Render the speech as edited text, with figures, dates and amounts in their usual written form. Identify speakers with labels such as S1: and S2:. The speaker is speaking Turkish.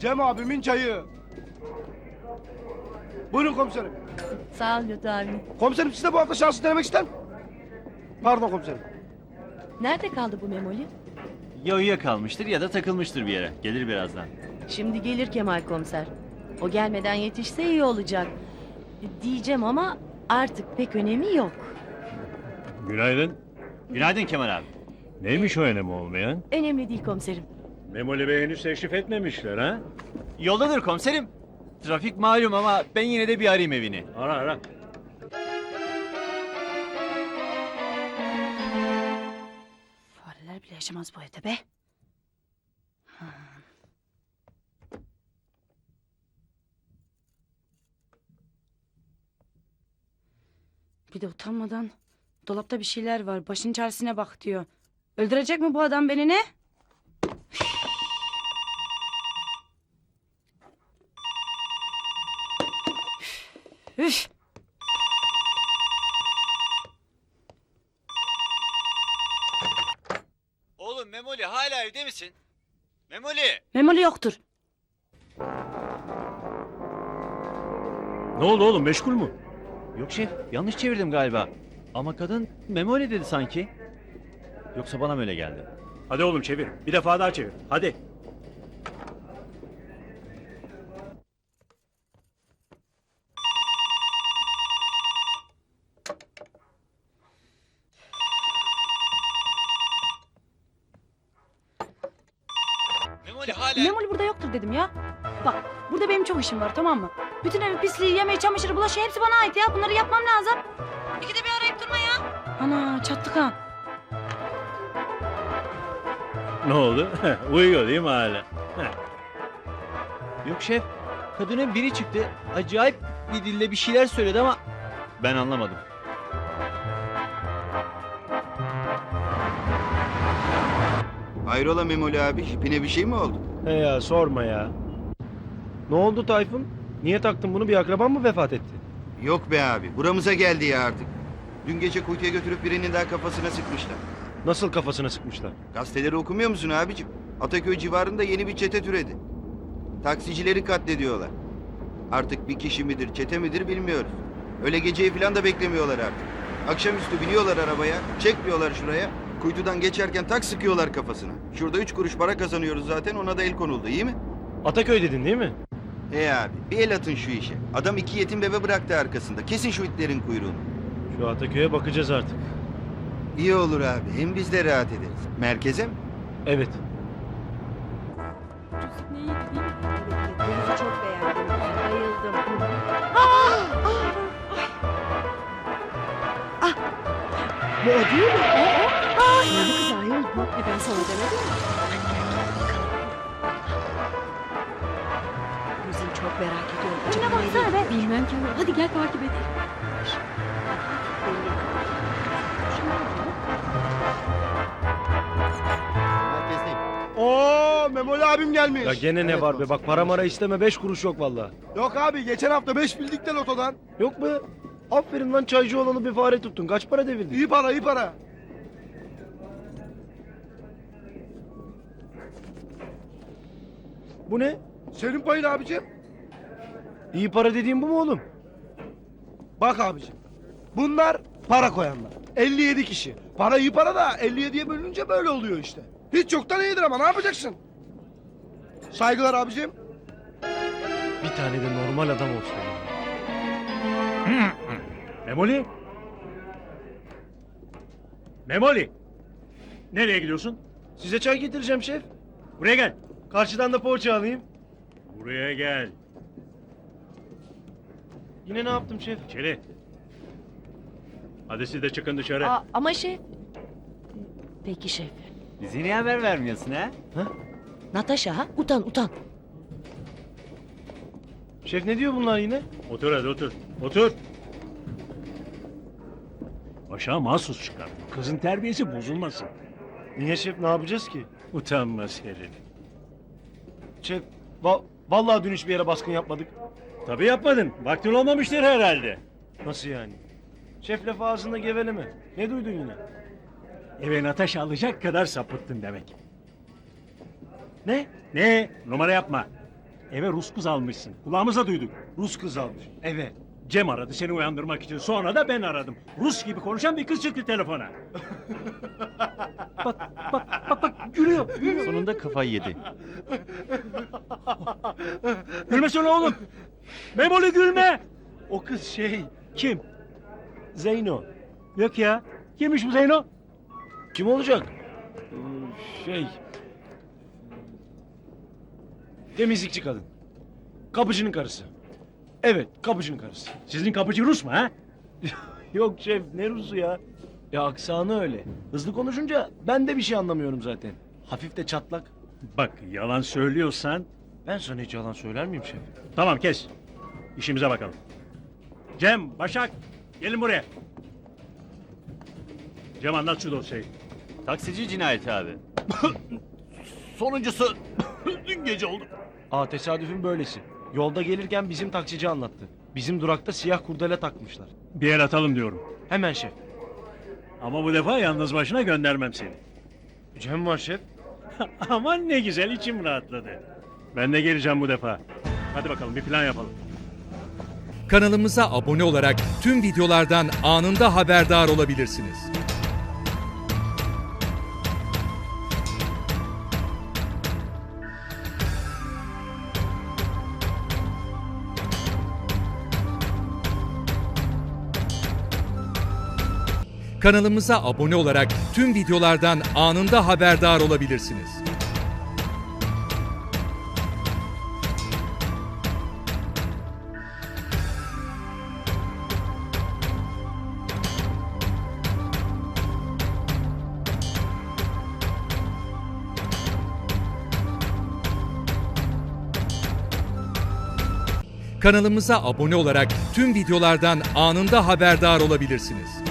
S1: Cem abimin çayı. Buyurun komiserim.
S2: Sağ ol Lütfü abi.
S1: Komiserim siz de bu hafta şansı denemek ister mi? Pardon komiserim.
S2: Nerede kaldı bu Memoli?
S3: Ya uyuyakalmıştır ya da takılmıştır bir yere. Gelir birazdan.
S2: Şimdi gelir Kemal komiser. O gelmeden yetişse iyi olacak. Diyeceğim ama artık pek önemi yok.
S4: Günaydın.
S3: Günaydın Kemal abi.
S4: Neymiş o önemi olmayan?
S2: Önemli değil komiserim.
S4: Memoli Bey henüz teşrif etmemişler ha?
S3: Yoldadır komiserim. Trafik malum ama ben yine de bir arayayım evini.
S4: Ara ara.
S5: Fareler bile yaşamaz bu evde be. Ha. Bir de utanmadan dolapta bir şeyler var. Başın çaresine bak diyor. Öldürecek mi bu adam beni ne? Üf.
S3: Oğlum Memoli hala evde misin? Memoli!
S5: Memoli yoktur.
S4: Ne oldu oğlum, meşgul mü?
S3: Yok şef, yanlış çevirdim galiba. Ama kadın Memoli dedi sanki. Yoksa bana mı öyle geldi?
S4: Hadi oğlum çevir. Bir defa daha çevir. Hadi.
S3: Memoli hala...
S5: Memoli burada yoktur dedim ya. Bak burada benim çok işim var, tamam mı? Bütün evi pisliği, yemeği, çamaşırı, bulaşığı hepsi bana ait ya. Bunları yapmam lazım. İkide bir arayıp durma ya. Ana çattık ha.
S4: Ne oldu? Uyuyor değil mi hala?
S3: Yok şef, kadının biri çıktı. Acayip bir dille bir şeyler söyledi ama ben anlamadım.
S6: Hayrola Memoli abi, jipine bir şey mi oldu?
S1: He ya sorma ya. Ne oldu Tayfun? Niye taktın bunu? Bir akraban mı vefat etti?
S6: Yok be abi, buramıza geldi ya artık. Dün gece kuytuya götürüp birinin daha kafasına sıkmışlar.
S1: Nasıl kafasına sıkmışlar?
S6: Gazeteleri okumuyor musun abicim? Ataköy civarında yeni bir çete türedi. Taksicileri katlediyorlar. Artık bir kişi midir, çete midir bilmiyoruz. Öyle geceyi falan da beklemiyorlar artık. Akşamüstü biniyorlar arabaya, çekmiyorlar şuraya. Kuytudan geçerken tak sıkıyorlar kafasına. Şurada 3 kuruş para kazanıyoruz zaten, ona da el konuldu, iyi mi?
S1: Ataköy dedin değil mi?
S6: Abi, bir el atın şu işe. Adam 2 yetim bebe bıraktı arkasında. Kesin şu itlerin kuyruğunu.
S1: Şu Ataköy'e bakacağız artık.
S6: İyi olur abi, hem biz de rahat ederiz. Merkeze mi?
S1: Evet.
S2: Denizi çok beğendim. Bayıldım. Bu o değil mi? O. Yeni kız ayol bu. Ben sana demedim mi? Kuzum çok merak ediyorum.
S5: Önüne baksana be.
S2: Bilmem ki. Hadi gel takip edelim.
S1: Oo Memoli abim gelmiş.
S7: Ya gene ne var be, bak para mara isteme, 5 kuruş yok vallahi.
S1: Yok abi geçen hafta 5 bildik de lotodan.
S7: Yok be. Aferin lan, çaycı olanı bir fare tuttun. Kaç para devirdin?
S1: İyi para iyi para.
S7: Bu ne?
S1: Senin payın abicim.
S7: İyi para dediğin bu mu oğlum?
S1: Bak abicim. Bunlar para koyanlar. 57 kişi. Para iyi para da 57'ye bölününce böyle oluyor işte. Hiç yoktan iyidir ama ne yapacaksın? Saygılar abicim.
S7: Bir tane de normal adam olsun.
S4: Memoli? Memoli! Nereye gidiyorsun?
S7: Size çay getireceğim şef.
S4: Buraya gel.
S7: Karşıdan da poğaça alayım.
S4: Buraya gel.
S7: Yine ne yaptım şef?
S4: İçeri. Hadi siz de çıkın dışarı.
S2: Ama şef. Peki şef.
S3: Bize niye haber vermiyorsun ha?
S2: Natasha ha? Utan utan.
S7: Şef ne diyor bunlar yine?
S4: Otur hadi otur. Otur. Aşağı mahsus çıkar. Kızın terbiyesi bozulmasın.
S7: Niye şef, ne yapacağız ki?
S4: Utanmaz herif.
S7: Şef, vallahi dün hiçbir yere baskın yapmadık.
S4: Tabii yapmadın. Vaktin olmamıştır herhalde.
S7: Nasıl yani? Şef lafı ağzında geveleme. Ne duydun yine?
S4: Eve Natasha alacak kadar sapıttın demek.
S7: Ne?
S4: Ne? Numara yapma. eve Rus kız almışsın. Kulağımıza duyduk.
S7: Rus kız almış. Eve.
S4: Cem aradı seni uyandırmak için. Sonra da ben aradım. Rus gibi konuşan bir kız çıktı telefona. bak gülüyor.
S3: Sonunda kafayı yedi.
S4: Gülmesene oğlum. Memoli gülme.
S7: O kız şey.
S4: Kim?
S7: Zeyno.
S4: Yok ya. Kimmiş bu Zeyno?
S7: Kim olacak? Şey. Temizlikçi kadın. Kapıcının karısı. Evet, kapıcının karısı.
S4: Sizin kapıcı Rus mu ha?
S7: Yok şef, ne Rus'u ya? Ya aksanı öyle. Hızlı konuşunca ben de bir şey anlamıyorum zaten. Hafif de çatlak.
S4: Bak yalan söylüyorsan
S7: Ben sana hiç yalan söyler miyim şef?
S4: tamam kes. İşimize bakalım. Cem, Başak gelin buraya. Cem anlat şu dosyayı.
S3: Taksici cinayeti abi. Sonuncusu dün gece oldu.
S7: Aa tesadüfün böylesi. Yolda gelirken bizim taksici anlattı. Bizim durakta siyah kurdele takmışlar.
S4: Bir el atalım diyorum.
S7: Hemen şef.
S4: Ama bu defa yalnız başına göndermem seni.
S7: Cem var şef.
S4: Aman ne güzel içim rahatladı. Ben de geleceğim bu defa. Hadi bakalım bir plan yapalım.
S8: Kanalımıza abone olarak tüm videolardan anında haberdar olabilirsiniz. Kanalımıza abone olarak tüm videolardan anında haberdar olabilirsiniz. Kanalımıza abone olarak tüm videolardan anında haberdar olabilirsiniz.